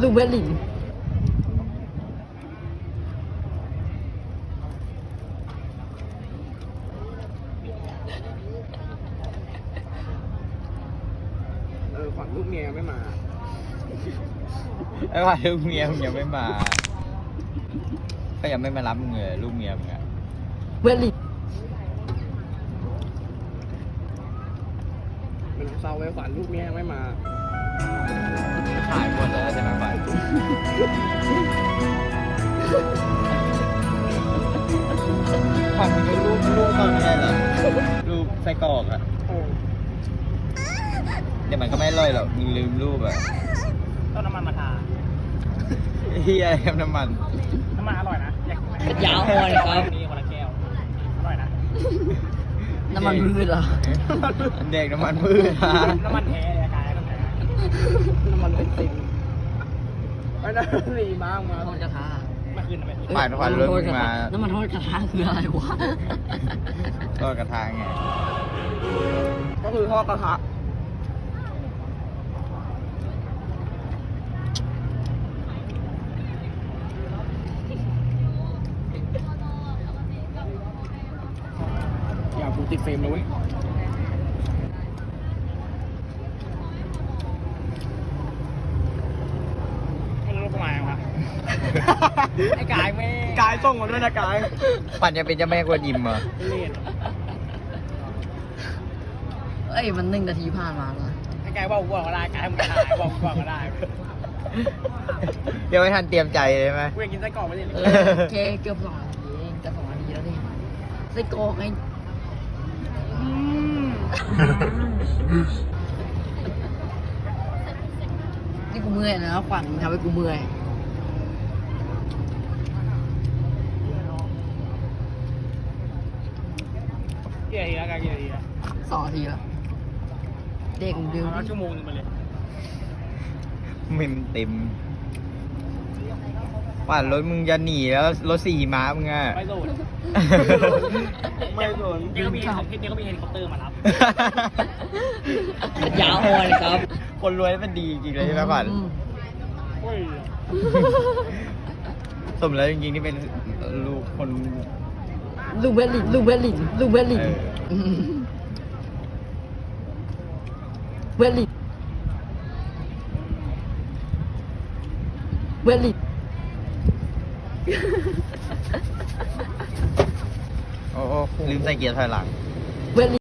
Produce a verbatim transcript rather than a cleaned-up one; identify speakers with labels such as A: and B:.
A: ลูกเวลิน
B: เออขวัญลูกเมียไม่มา
C: ไอ้ว่าลูกเมียมึงยังไม่มาก็ยังไม่มารับมึงเลยลูกเมียมึงอะ
A: เวลิน
B: เป็นเศร้าไว้ขวัญลูกเมียไม่มา
C: ถ่ายหมดแล้วใช่ไหมฝ่ายฝั่งมึงก็รูปรูปตอนไม่ได้เหรอรูปไส้กรอกอะ
B: โอ้
C: เดี๋ยวมันก็ไม่อร่อยหรอกมึงลืมรูปอะ
B: ต้องน้ำมันมาทา
C: เฮียอะไรครับน้ำมัน
B: น้ำมันอร่อยนะอยากกินไหม
A: ยาวอ่อนครับ
B: มีคนละแก้วอร่อยนะ
A: น้ำมันพืชเหรอ
C: เด็กน้ำมันพืชฮะ
B: น้ำมันแท้เลยกายน้ำแท้น้ำมันเป็นติ่งไอ้นั่นรีมากมา
A: ทอดกระทะ
B: มาคืนทำไม
C: ผ่านควันรถมึงมา
A: น้ำมันทอดกระทะคืออะไรวะ
C: ก็กระทางไง
B: ก็คือทอดกระทะอย่ากูติดเฟรมเลยเว้ยไม่รู้ทำไมครับ ไอ้กายไม่กายส่งมาด้วยนะกาย
C: ปั่นจะเป็นเจ้าแม่กวนยิมเหรอ
B: เล่น
A: เอ้ยมันหนึ่งนาทีผ่านมาแล้ว
B: ไอ้กายว่าวัวก็ได้กายมึงถ่ายว่าวัวก็ได้
C: เดี๋ยวไม่ทันเตรียมใจเลยไหม
B: กูอยากกินไส้กรอกไม่ได้
A: เอ
B: เลย
A: อโอเคเกือบสองนาทีเองจะสองนาทีแล้วดิไส้กรอกไงนี่กูเมื่อยนะขวัญทำให้กูเมื่อย
B: กี่นาทีแล้วกายกี่นาทีแล้ว
A: สองนาทีแล้วเด็กเร็ว
B: เอา
A: ดิ
B: ชั่วโมงนึงไปเลย
C: มิมเต็มปั่นรถมึงจะหนีแล้วรถสี่ม้ามึงอะ
B: ไม่โดนไม่โดนเดี๋ยวก็มีเดี๋ยวก็มีเฮลิคอปเตอร์มารับ
A: ยาวอ่อนครับ
C: คนรวยมันดีจริงเลยใช่ไหมปั่น
A: อืม
B: โอ้ย
C: สมแล้วจริงๆที่เป็นลูกคน
A: ลูกเวลินลูกเวลินลูกเวลิน
C: เออ
A: มเวลินเวลิน
C: โอ้โอ้ลืมใส่เกียร์ถอยหลัง